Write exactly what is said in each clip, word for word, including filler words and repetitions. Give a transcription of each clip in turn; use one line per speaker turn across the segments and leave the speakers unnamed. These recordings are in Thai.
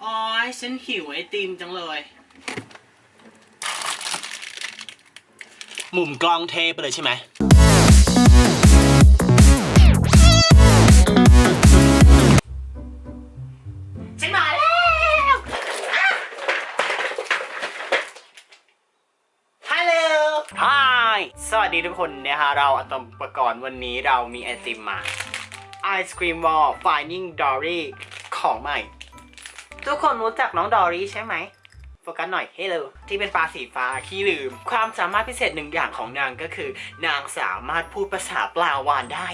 อ๋อฉันหิวไอติมจังเลยหมุมกล้องเทไปเลยใช่ไหมฉันมาแล้วฮัลโหลฮายสวัสดีทุกคนนะฮะเราอะตอมอุปกรณ์วันนี้เรามีไอติมมาไอศครีมวอล Finding Dory ของใหม่ทุกคนรู้จักน้องดอรี่ใช่ไหมโฟกัสหน่อยเฮ้ยเลยที่เป็นปลาสีฟ้าขี้ลืมความสามารถพิเศษหนึ่งอย่างของนางก็คือ นางสามารถพูดภาษาปลาวาฬได้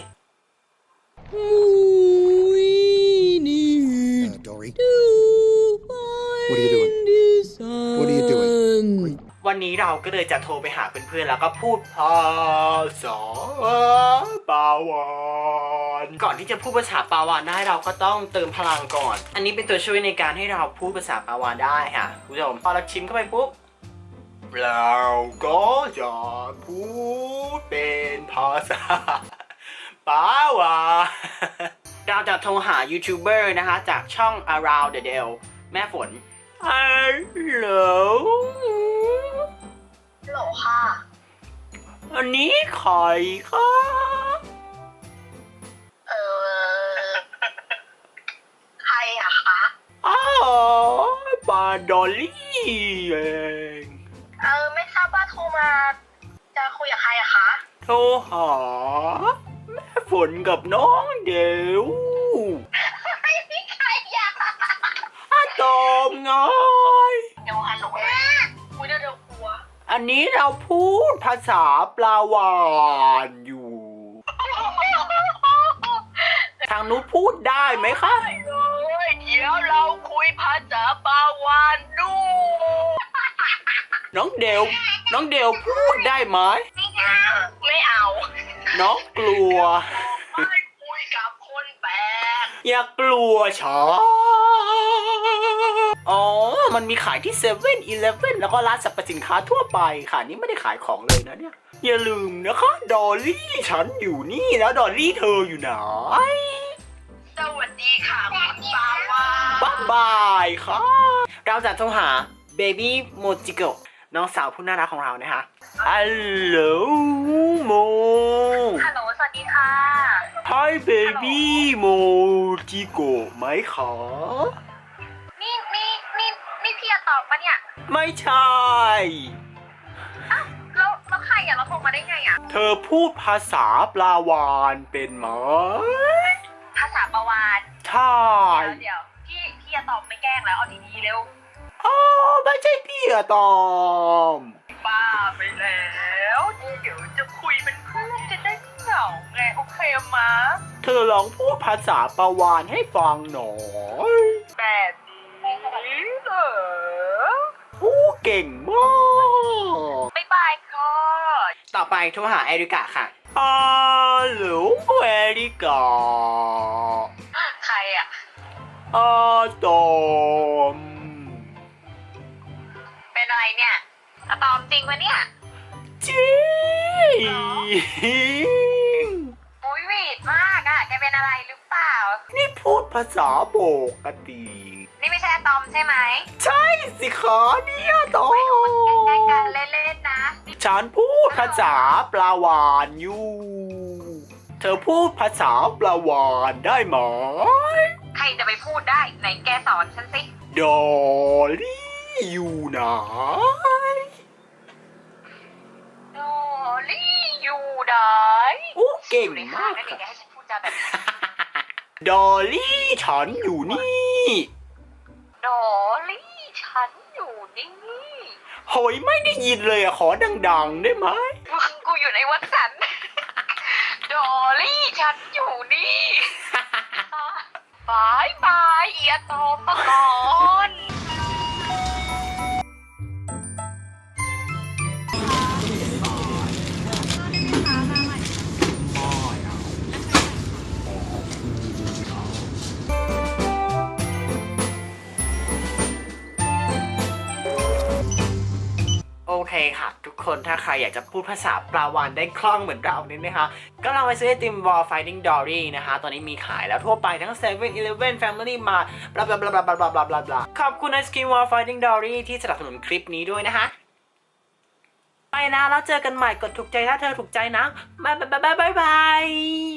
Uh, Dory. What are you doing? What are you doing?
วันนี้เราก็เลยจะโทรไปหาเพื่อนๆแล้วก็พูดภาษาปลาวาฬก่อนที่จะพูดภาษาปลาวาฬได้เราก็ต้องเติมพลังก่อน อันนี้เป็นตัวช่วยในการให้เราพูดภาษาปลาวาฬได้ค่ะคุณผู้ชมพอเราชิมเข้าไปปุ๊บเราก็จะพูดเป็นภาษาปลาวาฬเราจะโทรหายูทูบเบอร์นะคะจากช่อง Around the Dell แม่ฝนฮัลโหล
โหลค่ะ
อันนี้ใครคะ
เออ ใครอะคะ
อ้าวปาดอลลี่เอง
เออ ไม่ทราบว่าโทรมา จะคุยกับใครอะคะ
โทรหาแม่ฝนกับน้องเดว
ไม่มีใครอยาก
อะตอมไง
เดี๋ยวฮัลโหลนะคุยเดี๋ยวเดี๋ยวกลัว
อันนี้เราพูดภาษาปลาวาฬอยู่ ทางนู้นพูดได้ไหมคะ
เลยเดี๋ยวเราคุยภาษาปาวานดู
น้องเดวน้องเดวพูดได้ไหม
ไม่เอา
น้องกลัว
ไม่คุยกับคนแปลก
อย่ากลัวช้าอ๋อ มันมีขายที่เซเว่นอีเลฟเว่นแล้วก็ร้านสรรพสินค้าทั่วไปค่ะนี่ไม่ได้ขายของเลยนะเนี่ย อย่าลืมนะคะดอลลี่ฉันอยู่นี่แล้วดอลลี่เธออยู่ไหน
สวัสดีค่ะคุณปาวาน
บ๊ายบายค่ะ เราจะโทรหาเบบี้โมจิโกะน้องสาวผู้น่ารักของเรานะคะฮัลโหลโม
ฮัลโหลสวัสดีค่ะ
Hi baby โมจิโกะไหมคะ
นี่นี่นี่นี่พี่จะตอบปะเนี่ย
ไม่ใช่
อ้าวแล้วแล้วใครอ่ะเราโทรมาได้ไงอ่ะ
เธอพูดภาษาปลาวาฬเป็นไหม
ภาษาปาวาน
ใช่
เดี๋ยวเดี๋ยวพี่พี่จะตอบไม่แกล้งแล้วเอาดีๆเร็ว
อ๋อไม่ใช่พี่อะตอม
บ้าไปแล้วนี่เดี๋ยวจะคุยเป็นเพื่อนจะได้ไม่เหงาไงโอเคมะ
เธอลองพูดภาษาปลาวาฬให้ฟังหน่อย
แบบนี้เหรอ
พูดเก่งมาก
บ๊ายบายค่ะ
ต่อไปโทรหาเอริกาค่ะฮัลโหลเอริกา
ใครอ่ะ
อาตอม
เป็นอะไรเนี่ยอะตอมจริงปะเนี่ย
จริง
อุ้ยหวีดมากอ่ะแกเป็นอะไรหรือเปล่า
นี่พูดภาษาปกติ
นี่ไม่ใช่อะตอมใช่ไหม
ใช่สิคะเนี่ยตอ
ไม่รู้มันแกล้งกัน
ม
เล่นๆนะ
ฉันพูดภาษาปลาวาฬอยู่ เธอพูดภาษาปลาวาฬได้ไหม
ใครจะไปพูดได้ไหนแกสอนฉันสิ
ดอลลี่อยู่ไหน
โดลี่อยู่ไหน
โอ้เก่ง
อยู่ใน
มา
ห้าง
ก
นั่นเองแก
ค่ะ
ให้ฉันพูดจาแบบนี้
ดอลลี่ฉันอยู่นี่
โดลี่ฉันอยู่นี่
โหยไม่ได้ยินเลยอะขอดังๆได้ไหม
มึงกูอยู่ในวัดสัน โดลี่ฉันอยู่นี่บายบายเอียโตมาก่อน
โอเคค่ะ ทุกคนถ้าใครอยากจะพูดภาษาปลาวานได้คล่องเหมือนเราเนี่ยนะคะก็ลองไปซื้อไอติม Wall Fighting Dory นะคะตอนนี้มีขายแล้วทั่วไปทั้ง เซเว่น อีเลฟเว่น Family Mart บลาบลาบลาบลาบลาบลาบลาบลาขอบคุณไอศกรีม Wall Fighting Dory ที่สนับสนุนคลิปนี้ด้วยนะคะไปนะแล้วเจอกันใหม่กดถูกใจถ้าเธอถูกใจนะบ๊ายบายบายบาย